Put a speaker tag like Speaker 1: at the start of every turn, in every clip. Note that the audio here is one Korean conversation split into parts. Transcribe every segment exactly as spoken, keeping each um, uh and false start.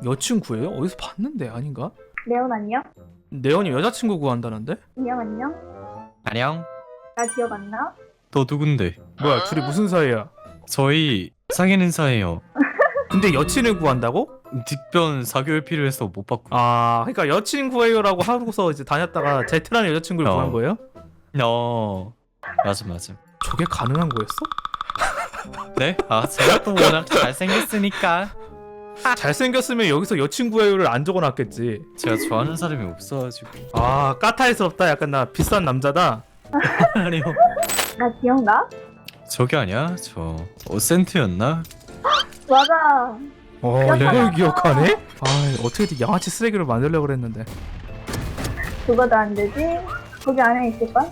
Speaker 1: 여친구예요? 어디서 봤는데 아닌가?
Speaker 2: 레온 안녕?
Speaker 1: 네온이 여자친구 구한다는데?
Speaker 2: 안녕 안녕?
Speaker 3: 안녕.
Speaker 2: 나 기억 안 나?
Speaker 3: 너 누군데?
Speaker 1: 뭐야 둘이 무슨 사이야?
Speaker 3: 저희 사귀는 사이에요.
Speaker 1: 근데 여친을 구한다고?
Speaker 3: 뒷변 사 개월 필요해서 못 받고.
Speaker 1: 아 그러니까 여친 구해요라고 하고서 이제 다녔다가 제트라는 여자친구를
Speaker 3: 어.
Speaker 1: 구한 거예요?
Speaker 3: 어. 맞아 맞아.
Speaker 1: 저게 가능한 거였어?
Speaker 3: 네? 아 제가 또 워낙 잘생겼으니까.
Speaker 1: 잘생겼으면 여기서 여친 구해요를 안 적어놨겠지.
Speaker 3: 제가 좋아하는 사람이 없어가지고.
Speaker 1: 아 까탈스럽다. 약간 나 비싼 남자다.
Speaker 3: 아니요.
Speaker 2: 나 기억나?
Speaker 3: 저기 아니야? 저 어센트였나?
Speaker 2: 맞아.
Speaker 1: 어
Speaker 2: 기억하나?
Speaker 1: 이걸 기억하네? 아 어떻게든 양아치 쓰레기를 만들려고 그랬는데.
Speaker 2: 그거도 안 되지? 거기 안에 있을걸?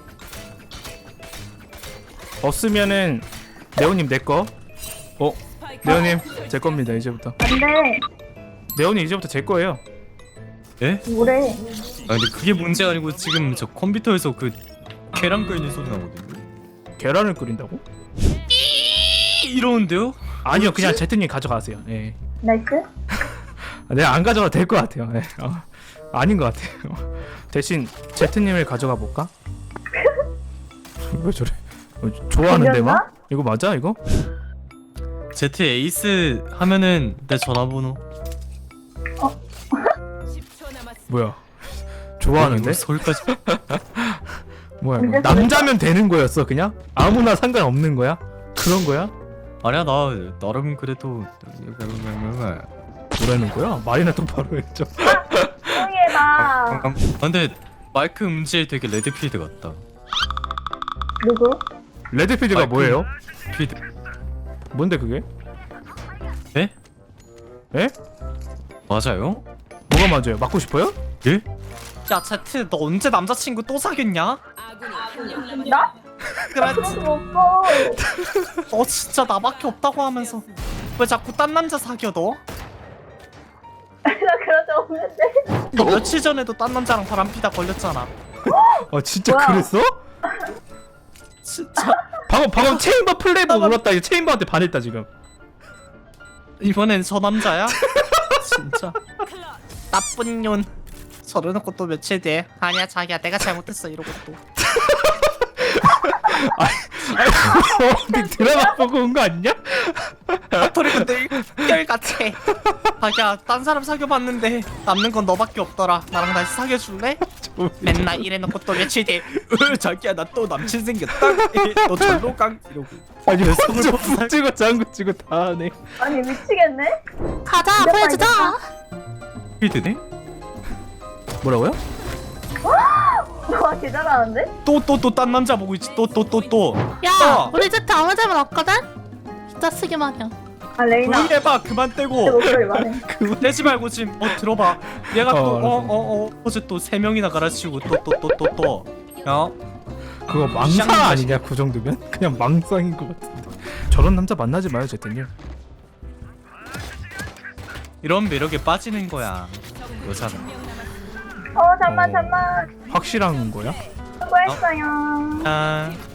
Speaker 1: 없으면은 네오님 내 거. 어 네오님 제 겁니다 이제부터.
Speaker 2: 안 돼.
Speaker 1: 네오님 이제부터 제 거예요.
Speaker 3: 예?
Speaker 2: 뭐래?
Speaker 3: 아 근데 그게 문제가 아니고 지금 저 컴퓨터에서 그 계란 끓이는 소리 나거든요.
Speaker 1: 계란을 끓인다고?
Speaker 3: 이러는데요?
Speaker 1: 아니요 그냥 제트님 가져가세요. 예.
Speaker 2: 나이스?
Speaker 1: 내가 안 가져가도 될 것 같아요. 예. 어, 아닌 것 같아요. 대신 제트님을 가져가 볼까? 왜 저래? 어, 좋아하는데
Speaker 2: 들렸나?
Speaker 1: 막? 이거 맞아 이거?
Speaker 3: 제트 에이스 하면은 내 전화번호.
Speaker 1: 뭐야? 좋아하는데?
Speaker 3: 이거 서울까지.
Speaker 1: 뭐야 이거?
Speaker 2: 근데
Speaker 1: 남자면 되는 거였어 그냥? 아무나 상관없는 거야? 그런 거야?
Speaker 3: 아니야 나 나름 그래도.
Speaker 1: 뭐라는 거야? 말이나 똑바로 해줘.
Speaker 2: 조용히 해봐.
Speaker 3: 아, 근데 마이크 음질 되게 레드필드 같다.
Speaker 2: 누구?
Speaker 1: 레드필드가
Speaker 3: 마이크
Speaker 1: 뭐예요?
Speaker 3: 필드.
Speaker 1: 뭔데 그게?
Speaker 3: 네?
Speaker 1: 에?
Speaker 3: 맞아요?
Speaker 1: 뭐가 맞아요? 맞고 싶어요?
Speaker 3: 예? 야 제트 너 언제 남자친구 또 사귀었냐?
Speaker 2: 나?
Speaker 3: 그래
Speaker 2: 그런 거 없어.
Speaker 3: 너 진짜 나밖에 없다고 하면서 왜 자꾸 딴 남자 사귀어 너?
Speaker 2: 나 그런 적 없는데.
Speaker 3: 너 며칠 전에도 딴 남자랑 바람피다 걸렸잖아.
Speaker 1: 아 진짜
Speaker 2: 뭐야?
Speaker 1: 그랬어?
Speaker 3: 진짜
Speaker 1: 방금 방금 체인버 플레이브 울었다. 이거 체인버한테 반했다 지금.
Speaker 3: 이번엔 저 남자야? 진짜 나쁜 년. 저러놓고 또 며칠 뒤에 아니야 자기야 내가 잘못했어 이러고 또
Speaker 1: 어디 드라마 보고 온 거 아니냐?
Speaker 3: 버리고 늙결같이 자기야 딴 사람 사귀어봤는데 남는 건 너밖에 없더라 나랑 다시 사귀어줄래? 맨날 이래놓고 또 며칠 뒤에 으 자기야 나 또 남친 생겼다 너 절로 강 이러고
Speaker 1: 아니 손을 푹 찍고 장구 찍고 다 하네.
Speaker 2: 아니 미치겠네.
Speaker 4: 가자 보여주자.
Speaker 3: 필드네?
Speaker 1: 뭐라고요?
Speaker 2: 와, 개 잘하는데?
Speaker 3: 또 또 또 딴 남자 보고 있지 또 또 또또
Speaker 4: 야
Speaker 3: 어.
Speaker 4: 우리 제트 아무 잘못 없거든? 진짜 쓰기 마냥.
Speaker 2: 아, 레이나.
Speaker 3: 조용히 해봐 그만
Speaker 2: 내
Speaker 3: 떼고
Speaker 2: 목소리 말해.
Speaker 3: 그만 떼지 말고 지금 어 들어봐 얘가
Speaker 1: 어,
Speaker 3: 또 어
Speaker 1: 알았어.
Speaker 3: 어 어 어제 또 세 명이나 갈아치우고 또 또 또 또또 야
Speaker 1: 그거 망상
Speaker 3: 쌍
Speaker 1: 아니냐 그 정도면? 그냥 망상인 것 같은데. 저런 남자 만나지 마요 제트님.
Speaker 3: 이런 매력에 빠지는 거야 여자는.
Speaker 2: 어, 잠만, 잠만.
Speaker 1: 확실한 거야?
Speaker 2: 수고했어요.
Speaker 3: 아